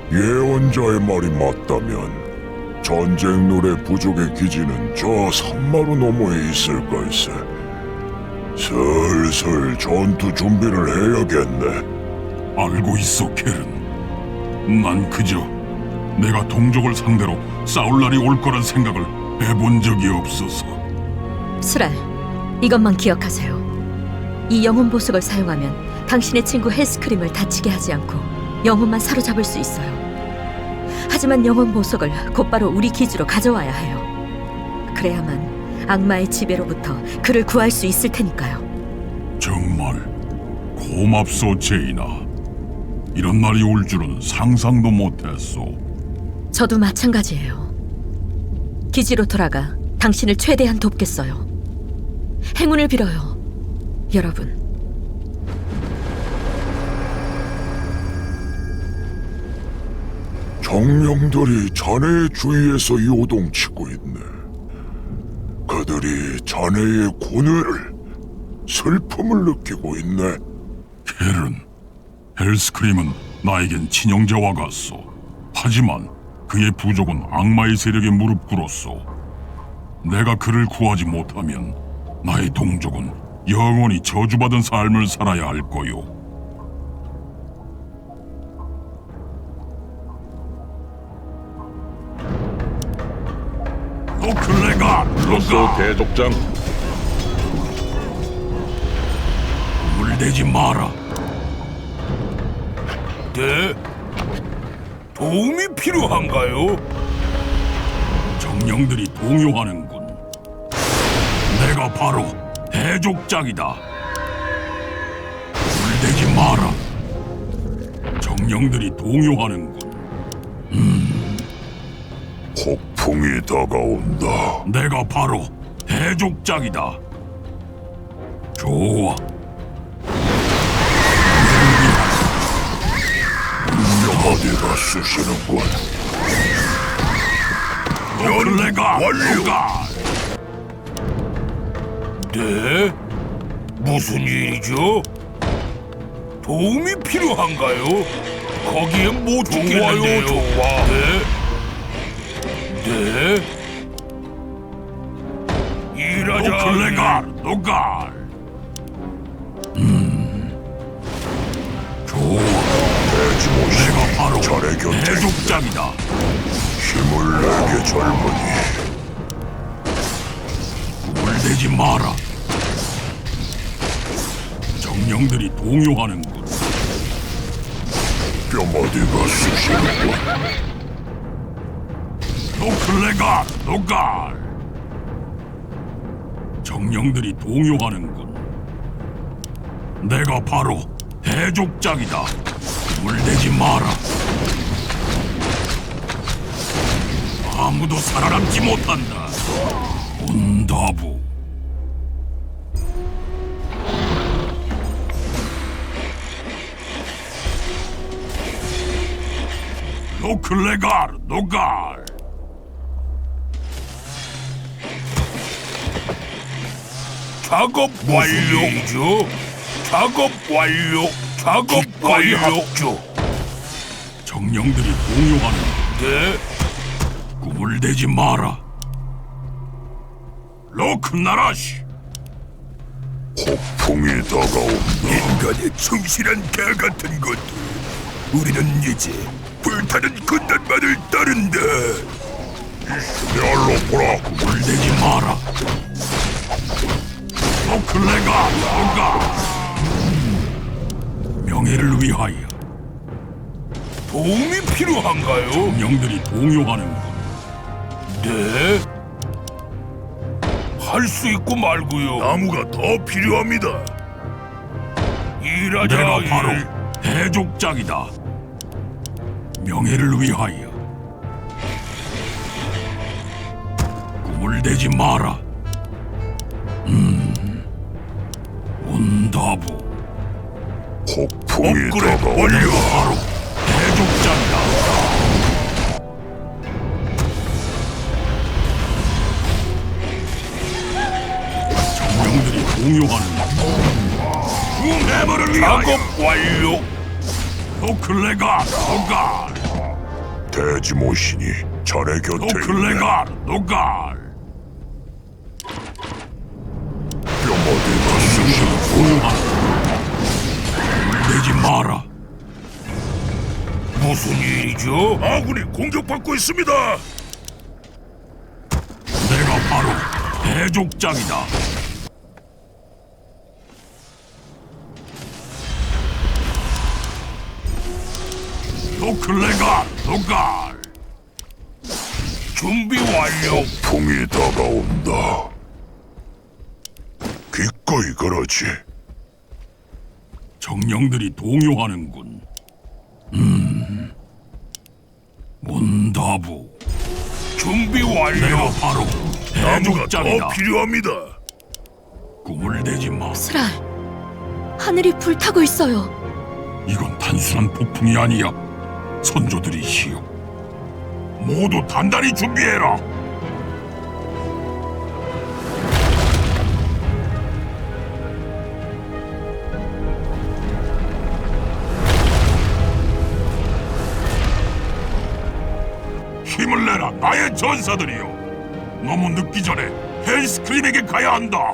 예언자의 말이 맞다면 전쟁 노래 부족의 기지는 저 산마루 너머에 있을 걸세. 슬슬 전투 준비를 해야겠네. 알고 있어, 켈은. 난 그저 내가 동족을 상대로 싸울 날이 올 거란 생각을 해본 적이 없어서. 수랄, 이것만 기억하세요. 이 영혼 보석을 사용하면 당신의 친구 헬스크림을 다치게 하지 않고 영혼만 사로잡을 수 있어요. 하지만 영혼 보석을 곧바로 우리 기지로 가져와야 해요. 그래야만 악마의 지배로부터 그를 구할 수 있을 테니까요. 정말 고맙소, 제이나. 이런 날이 올 줄은 상상도 못했소. 저도 마찬가지예요. 기지로 돌아가 당신을 최대한 돕겠어요. 행운을 빌어요, 여러분. 정령들이 자네의 주위에서 요동치고 있네. 그들이 자네의 고뇌를, 슬픔을 느끼고 있네. 켈은, 헬스크림은 나에겐 친형제와 같소. 하지만 그의 부족은 악마의 세력에 무릎 꿇었소. 내가 그를 구하지 못하면 나의 동족은 영원히 저주받은 삶을 살아야 할 거요. 노클레가 로소 대족장, 물대지 마라. 네? 도움이 필요한가요? 정령들이 동요하는군. 내가 바로 대족장이다. 물대지 마라. 정령들이 동요하는군. 폭풍이 다가온다. 내가 바로 대족장이다. 좋아. 어디가 쑤시는군. 노클레가 완료가. 네? 무슨 일이죠? 도움이 필요한가요? 거기엔 못 죽겠는데요. 좋아. 네? 네? 일하자. 노클레가 노갈. 좋아. 내가 바로 자네 곁에 대족장이다. 힘을 내게 젊은이. 물대지 마라. 정령들이 동요하는군. 뼈머리가 쑤시는군. 노클레가 노갈. 정령들이 동요하는군. 내가 바로 대족장이다. 물대지 마라. 아무도 살아남지 못한다. 온다부. 노클레갈 노갈. 작업 완료죠. 작업 완료. 작업 완료. 합주. 정령들이 동요하는. 네? 꿈을 대지 마라. 로크나라시. 폭풍이 다가온다. 인간의 충실한 개 같은 것들. 우리는 이제 불타는 군단만을 따른다. 얄로보라. 꿈을 대지 마라. 노클레가 노가. 명예를 위하여. 도움이 필요한가요? 정령들이 동요하는군. 네? 할 수 있고 말고요. 나무가 더 필요합니다. 일하자. 내가 일. 바로 대족장이다. 명예를 위하여. 꿈을 대지 마라. 온다부. 폭풍이 업그레이드 다가온다. 완료. 바로 대족장이다. 정령들이 공유하는 해머를 위하여. 작업 완료. 노클레가 노갈. 돼지 모신이 자네 곁에 있네. 노클레갈 노갈. 뼈머리가 쑤시는군. 공유하는 물대지 마라. 무슨 일이죠? 아군이 공격받고 있습니다. 내가 바로 대족장이다. 노클레갈 노갈. 준비 완료. 풍이 다가온다. 기꺼이 그러지. 정령들이 동요하는군. 문다부. 준비 내가 완료. 바로 나무가 더 대족장이다. 필요합니다. 꿈을 내지 마. 스랄, 하늘이 불타고 있어요. 이건 단순한 폭풍이 아니야. 선조들이시여. 모두 단단히 준비해라. 힘을 내라, 나의 전사들이여. 너무 늦기 전에 헬스크림에게 가야 한다.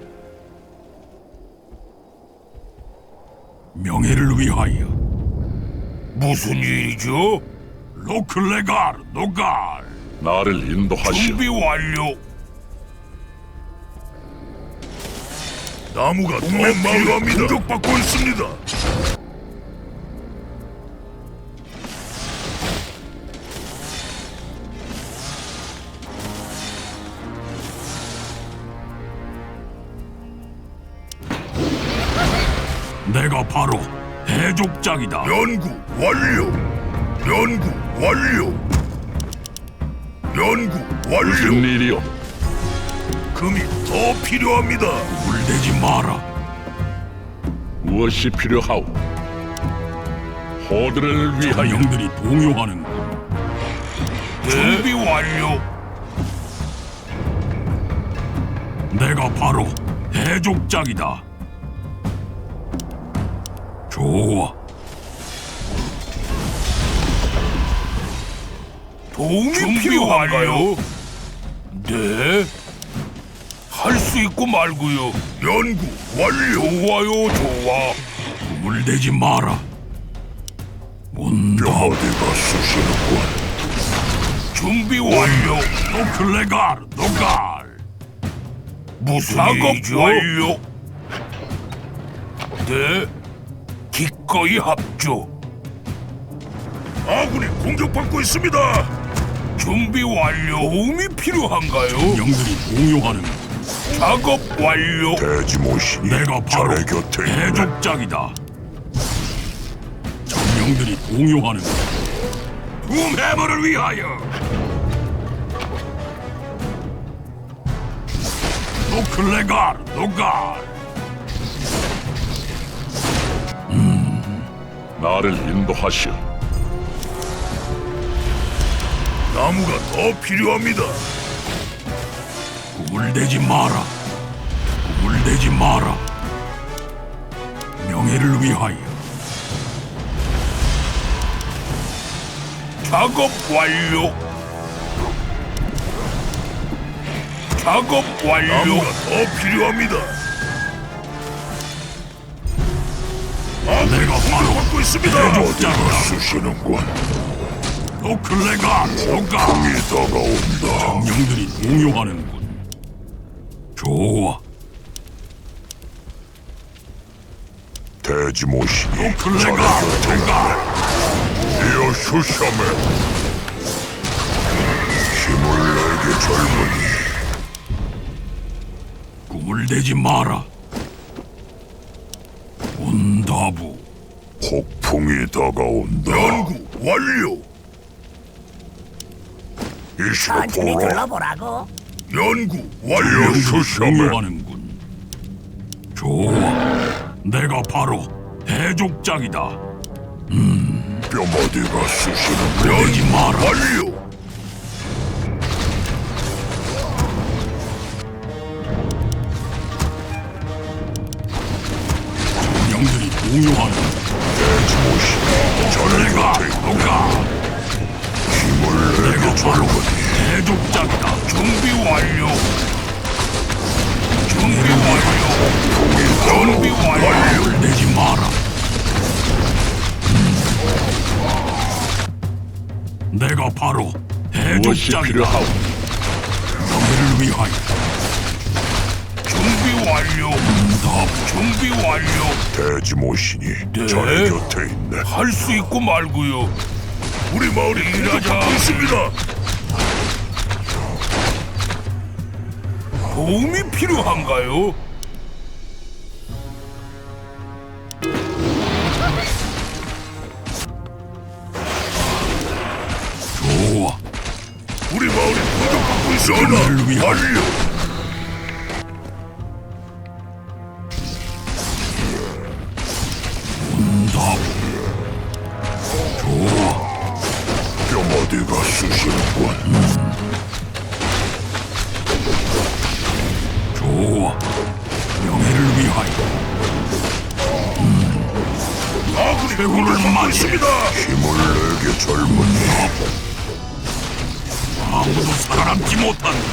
명예를 위하여. 무슨 일이죠? 로클레갈 노갈. 나를 인도하시오. 준비 완료. 나무가 더 필요합니다. 공격받고 있습니다. 내가 바로 대족장이다. 연구 완료. 연구 완료. 연구 완료. 무슨 일이오? 금이 더 필요합니다. 물대지 마라. 무엇이 필요하오? 호들을 위하여. 정령들이 동요하는군. 준비 완료. 내가 바로 대족장이다. 좋아. 도움이 필요한가요? 네. 할 수 있고 말고요. 연구 완료. 좋아요, 좋아. 물대지 마라. 문다. 뼈머리가 쑤시는군. 준비 완료. 노클레갈 노갈. 무슨 일이죠? 완료. 네. 기꺼이 합조. 아군이 공격받고 있습니다. 준비 완료. 도움이 필요한가요? 정령들이 동요하는 작업 완료. 돼지 모신이 내가 바로 자네 곁에 있네. 대족장이다. 정령들이 동요하는 둠해머를 위하여. 노클레갈 노갈. 나를 인도하시오. 나무가 더 필요합니다. 꿈을 대지 마라. 꿈을 대지 마라. 명예를 위하여. 작업 완료. 작업 완료. 나무가 더 필요합니다. 내가 바로 받고 있습니다. 대족장이다. 쑤시는군. 노클레갈 노갈. 풍이 다가온다. 정령들이 동요하는군. 좋아. 돼지 모신이 노클레갈 자네 곁에 노갈. 이어 슈샤메. 힘을 내게 젊은이. 꿈을 대지 마라. 온다부. 폭풍이 다가온다. 연구 완료. 이시를 천천히 보라. 둘러보라고. 연구 이어 완료. 슈샤메. 동요하는군. 좋아. 내가 바로 대족장이다. 뼈머리가 쑤시는군. 대지 마라. 완료. 정령들이 동요하는 돼지 모신이 자네 노클레갈 곁에 있네. 노갈. 젊은이. 대족장이다. 준비 완료. 준비 완료. 준비 완료. 내지 마라. 내가 바로 무엇이 대족장이다. 필요하오? 너희를 위하여. 준비 완료. 준비 완료. 돼지 모신이 네. 자네 곁에 있네. 할 수 있고 말고요. 우리 마을이 공격받고 있습니다. 도움이 필요한가요? 좋아. 우리 마을이 공격받고 있습니다. 너희를 위하여. 완료. 응답. 좋아. 뼈머리가 쑤시는군. 좋아. 명예를 위하여. 아군이 공격받고 있습니다. 힘을 내게 젊은이. 아무도 살아남지 못한다.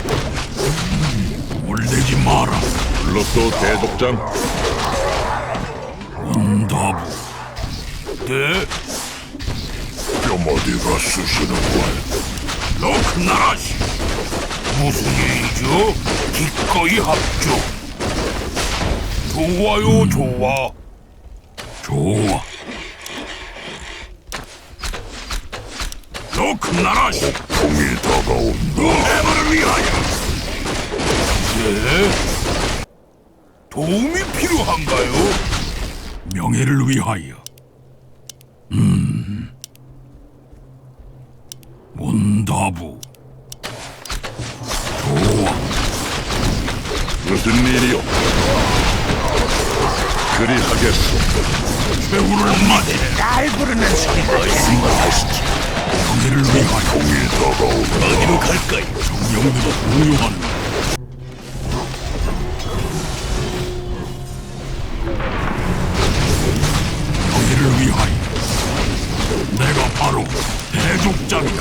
물대지 마라. 불렀어 대독장. 응답. 네, 뼈머리가 쑤시는군. 로크나라시. 무슨 일이죠? 기꺼이 합주. 좋아요, 좋아. 좋아. 로크나라시. 폭풍이 다가온다. 해마를 위하여. 네. 도움이 필요한가요? 명예를 위하여. 문다부. 좋아. 무슨 일이오? 그리하겠소. 배우를 맞이. 날 부르는 소리가 있습니다. 명예를 위하여. 폭풍이 다가온다. 어디로 갈까요? 정령들이 공유하는. 명예를 위하여. 내가 바로 대족장이다.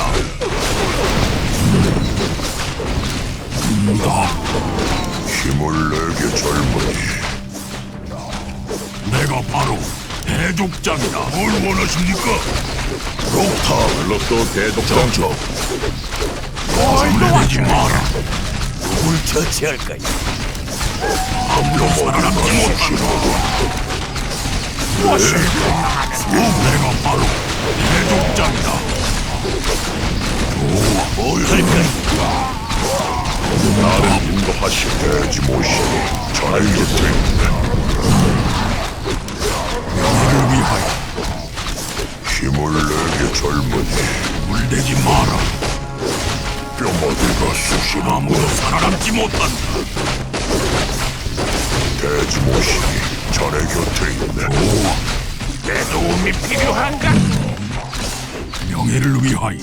힘을 내게 젊은이. 내가 바로 대족장이다. 뭘 원하십니까? 록타 불렀어 대독장. 물대지 마라. 누굴 처치할까요? 아무도 살아남지 못한다. 내가 바로 대족장이다. 뭘 할까요? 나를 인도하시. 돼지 모신이 자네 곁에 있네. 너를 위하여. 힘을 내게 젊은이. 물대지 마라. 뼈머리가 쑤시는 아무도 살아남지 못한다. 돼지 모신이 자네 곁에 있네. 내 도움이 필요한가? 명예를 위하여.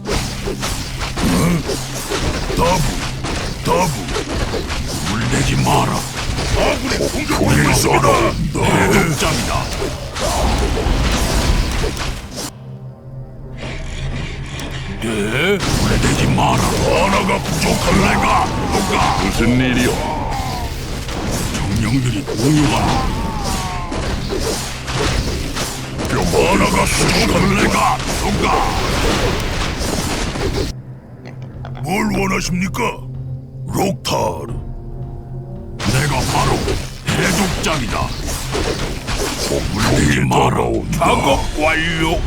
다부. 물대지 마라. 아군이 공격받고 있습니다. 대족장이다. 네, 물대지 마라. 하나가 부족한 내가 누가 무슨 일이오? 정령들이 공유하는. 뼈머리가 쑤시는 내가 누가 뭘 원하십니까? 록타르. 내가 바로 대족장이다. 폭풍이 마라. 다가온다. 작업 완료.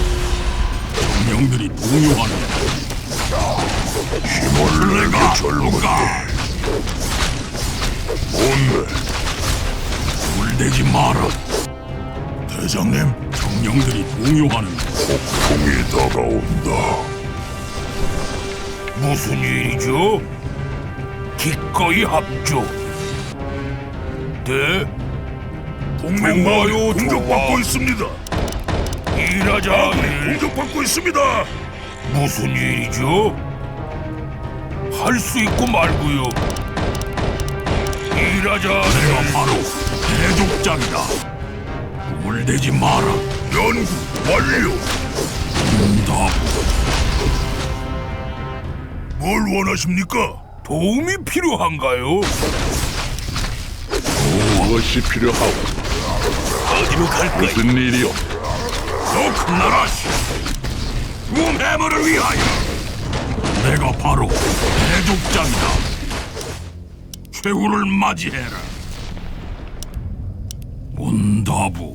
정령들이 공유하는. 힘을 내가 내게 젊은이. 누가 뭔데? 물대지 마라. 대장님, 정령들이 공유하는. 폭풍이 다가온다. 무슨 일이죠? 기꺼이 합주. 네, 동맹 마을이 공격받고 있습니다. 일하자. 공격받고 있습니다. 무슨 일이죠? 할 수 있고 말고요. 일하자. 내가 바로 대족장이다. 물대지 마라. 연구 완료. 응답. 뭘 원하십니까? 도움이 필요한가요? 무엇이 필요하오? 어디로 갈까요? 무슨 일이오? 더 큰 나라시. 룸해머를 위하여. 내가 바로 대족장이다. 최후를 맞이해라. 문다부.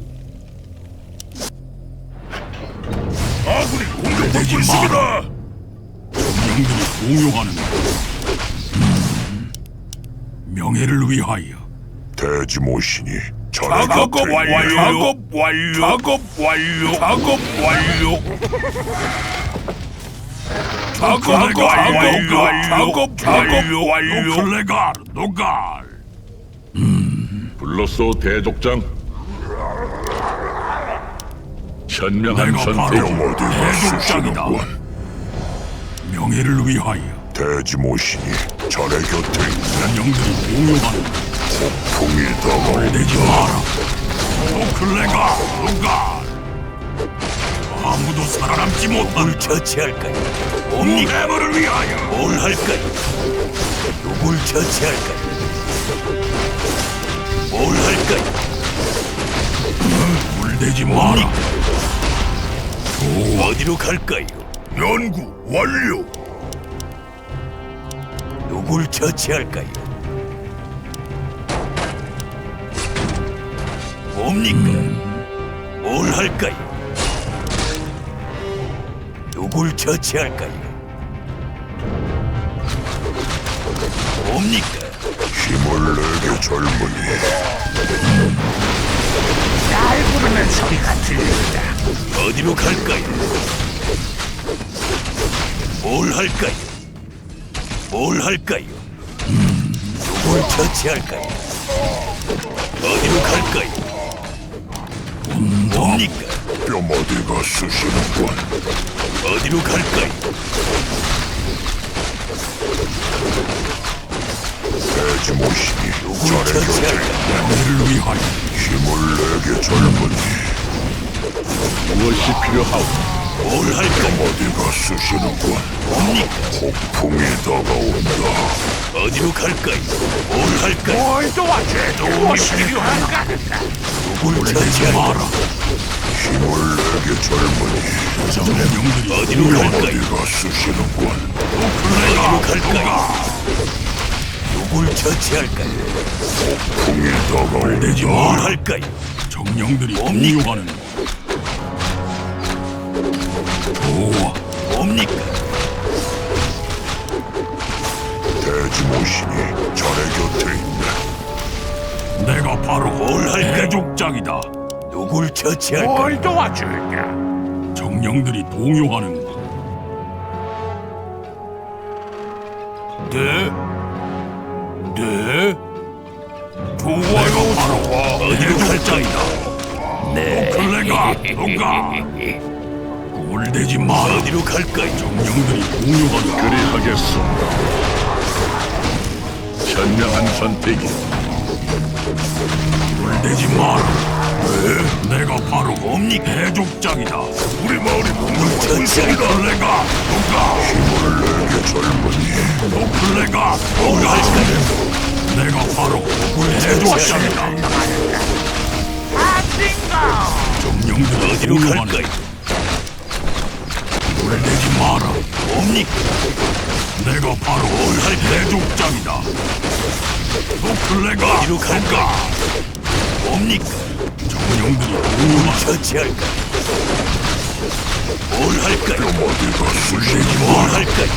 아군이 공격받고 내지 있습니다. 정령들이 공용하는 명예를 위하여. 대지모신이 작업 완료. 작업 완료. 작업 완료. 작업 완료. 작업 완료. 작업 완료. 노클레갈 노갈. 불렀소 대족장. 현명한 내가 바로 선택 어디가 대족장이다. 쓰시는군. 명예를 위하여. 대지모신이 자네 곁에 있는 정령들이 공용하는 풍이 다가오니 내지 마라. 노클레갈 노갈. 아무도 살아남지 못한 누굴 처치할까요? 옴니해머를 위하여. 뭘 할까요? 누굴 처치할까요? 뭘 할까요? 물대지 마라. 어디로 갈까요? 연구 완료. 누굴 처치할까요? 뭡니까? 뭘 할까요? 누굴 처치할까요? 뭡니까? 힘을 내게 젊은이. 날 부르는 소리가 들린다. 어디로 갈까요? 뭘 할까요? 뭘 할까요? 누굴 처치할까요? 어디로 갈까요? 뭡니까? 뼈머리가 쑤시는군. 어디로 갈까요? 대지모신이 누굴 자네 곁에 처치할까요? 명예를 위하여. 힘을 내게 젊은이. 무엇이 필요하오? 뭘 할까요? 어디가 쑤시는군. 뭡니까? 폭풍이 다가온다. 어디로 갈까요? 뭘 할까요? 뭘 도와줘? 도움이 필요한가? 누굴 처치할까요? 힘을 내게 젊은이. 정령들이 어디로 갈까요? 어디가 쑤시는군. 어디로 갈까요? 누굴 처치할까요? 풍이 물대지 다가온다. 뭘 마라. 할까요? 정령들이 뭡니까? 공용하는 좋아. 뭡니까? 대지모신이 자네 곁에 있네. 내가 바로 뭘 할까요? 대족장이다. 누굴 처치할까요? 도와줄까? 정령들이 동요하는 네? 네? 내가 바로 어디로 갈까요? 대족장이다. 네. 클레가 누가 꿀대지 마라. 어디로 갈까요? 정령들이 동요하는 그리하겠소. 현명한 선택이. 꿀대지 마라. 내가 바로 뭡니까? 대족장이다. 우리 마을이 공격받고 있습니다. 클레가 누가 힘을 내게 젊은이. 노클레가 뭘 누가 할까요? 내가 바로 대족장이다. 정령들이 어디로 동요하는 갈까요? 꿀대지 마라. 뭡니까? 내가 바로 대족장이다. 노클레가 어디로 갈까요? 뭡니까? 정령들이 동요하는 처치할까요? 뭘 할까요? 어디가 쑤시는군. 뭘 할까요?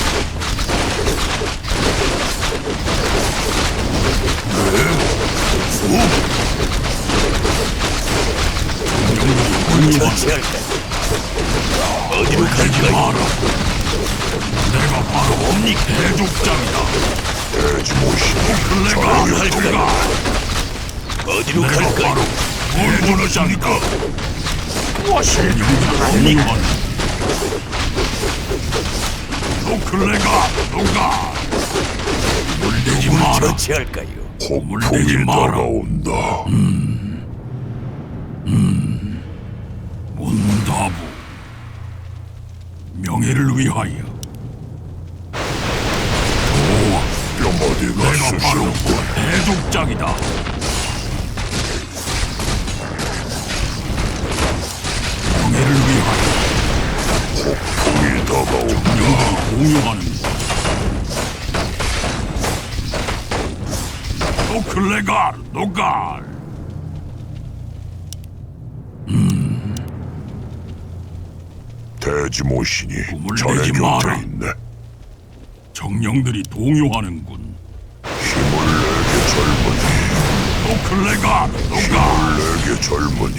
정령들이 동요하는 처치할까요? 어디로 꿀대지 갈까요? 마라. 내가 바로 뭡니까? 대족장이다. 대지모신이 클레가 뭘 할까요? 누가 어디로 내가 갈까요? 바로 뭘 원하십니까? 정령들이 동요하는 노클레가 누가 물대지 누굴 마라. 처치할까요? 물대지 폭풍이 마라. 다가온다. 문다부 명예를 위하여 해족장이다. 명예를 위하여 폭풍이 다가온다. 영들이 공유하는 노클레갈 노갈. 대지모신이 꿈을 자네 내지 곁에 마라. 있네. 정령들이 동요하는군. 힘을 내게 젊은이. 노클레갈 노갈. 내게 젊은이.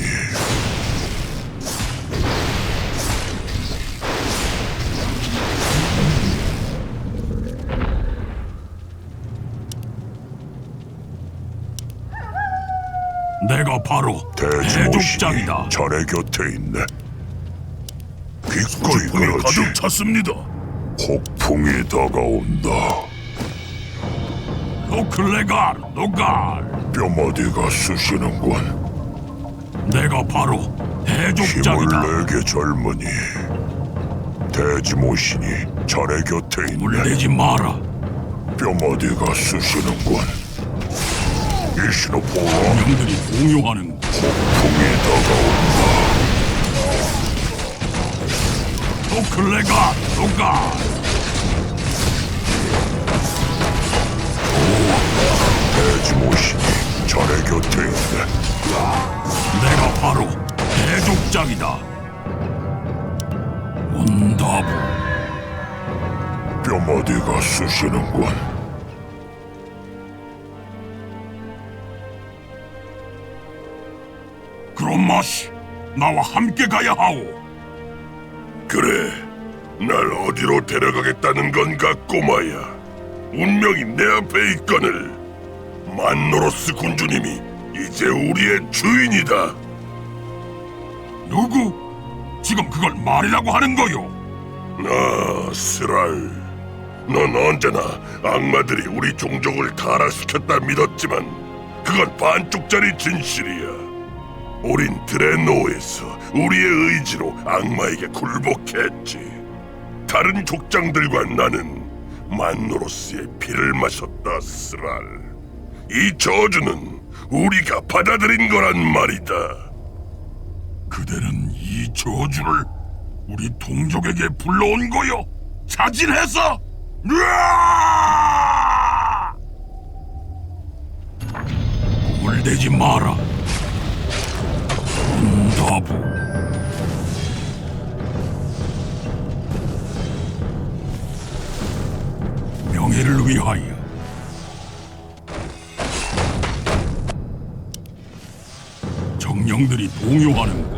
내가 바로 대지모신이 해족장이다. 자네 곁에 있네. 기꺼이 폭풍이 그러지. 가득 찼습니다. 폭풍이 다가온다. 노클레갈 노갈. 뼈머리가 쑤시는군. 내가 바로 힘을 해족장이다. 내게 젊은이. 대지모신이 자네 곁에 있네. 물대지 마라. 뼈머리가 쑤시는군. 이시노포와 정령들이 동요하는 폭풍이 다가온다. 노클레갈 노갈. 대지모신이 자네 곁에 있네. 내가 바로 해족장이다. 온다부. 뼈머리가 쑤시는군. 그런 맛이 나와 함께 가야 하오. 그래, 날 어디로 데려가겠다는 건가, 꼬마야. 운명이 내 앞에 있거늘. 만노로스 군주님이 이제 우리의 주인이다. 누구? 지금 그걸 말이라고 하는 거요? 아, 스랄. 넌 언제나 악마들이 우리 종족을 타락시켰다 믿었지만 그건 반쪽짜리 진실이야. 우린 드레노에서 우리의 의지로 악마에게 굴복했지. 다른 족장들과 나는 만노로스의 피를 마셨다, 스랄. 이 저주는 우리가 받아들인 거란 말이다. 그대는 이 저주를 우리 동족에게 불러온 거요? 자진해서? 으아! 꿈을 대지 마라. 응답부. 명예를 위하여. 정령들이 동요하는군.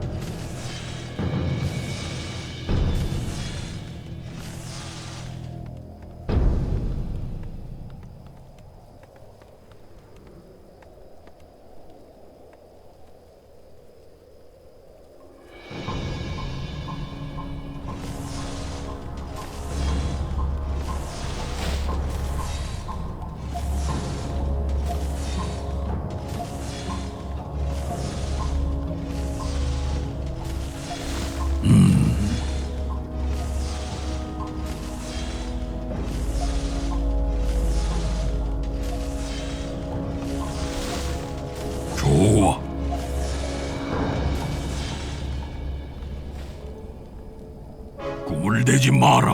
좋아. 꿈을 대지 마라.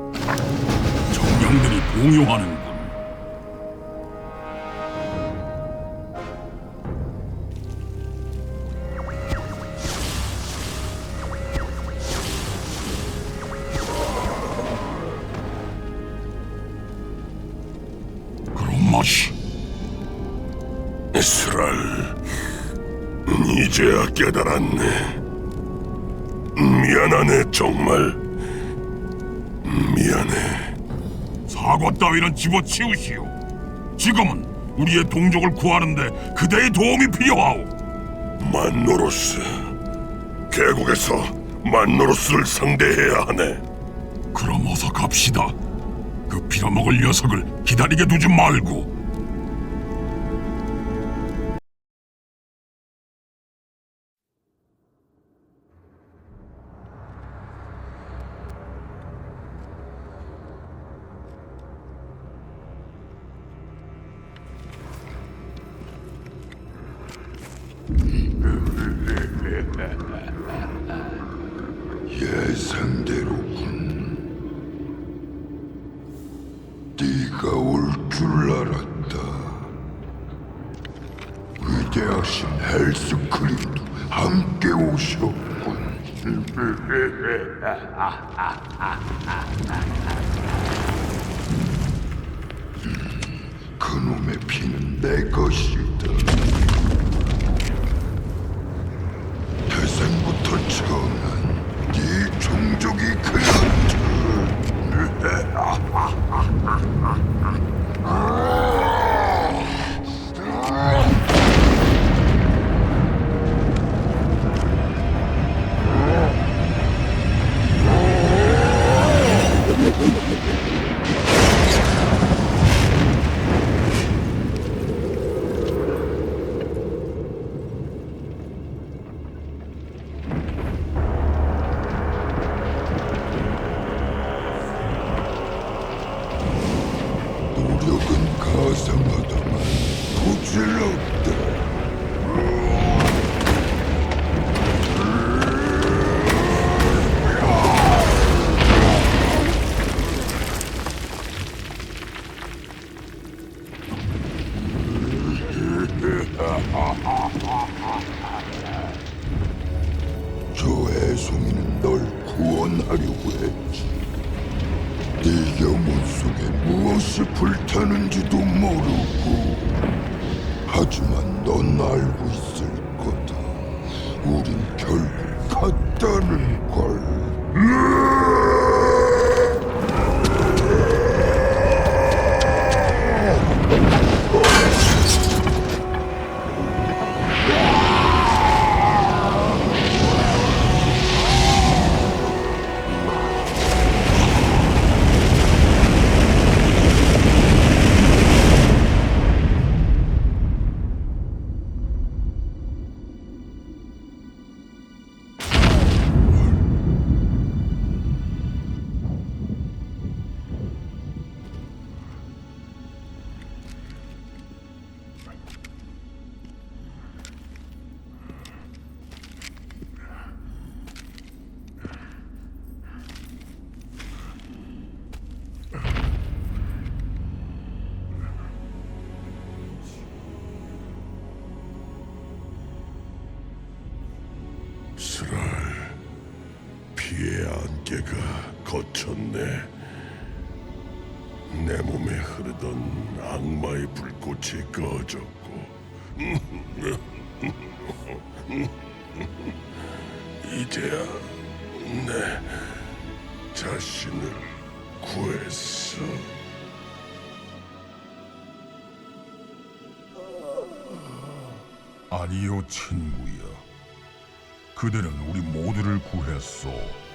정령들이 동요하는군. 그런 맛이. 스랄, 이제야 깨달았네. 미안하네, 정말. 미안해. 사과 따위는 집어치우시오. 지금은 우리의 동족을 구하는데 그대의 도움이 필요하오. 만노로스. 계곡에서 만노로스를 상대해야 하네. 그럼 어서 갑시다. 그 빌어먹을 녀석을 기다리게 두지 말고. 예상대로군. 네가 올 줄 알았다. 위대하신 헬스크림도 함께 오셨군. 그놈의 피는 내 것이다. 태생부터 정한 네 종족이 그렇다. 노력은 가상하다만 부질없다. 저 애송이는 널 구원하려고 했지. 네 영혼 속에 무엇이 불타는지도 모르고. 하지만 넌 알고 있을 거다. 우린 결국 같다는 걸. 스랄, 피의 안개가 걷혔네. 내 몸에 흐르던 악마의 불꽃이 꺼졌고 이제야 내 자신을 구했어. 아니요, 친구야. 그대는 우리 모두를 구했소.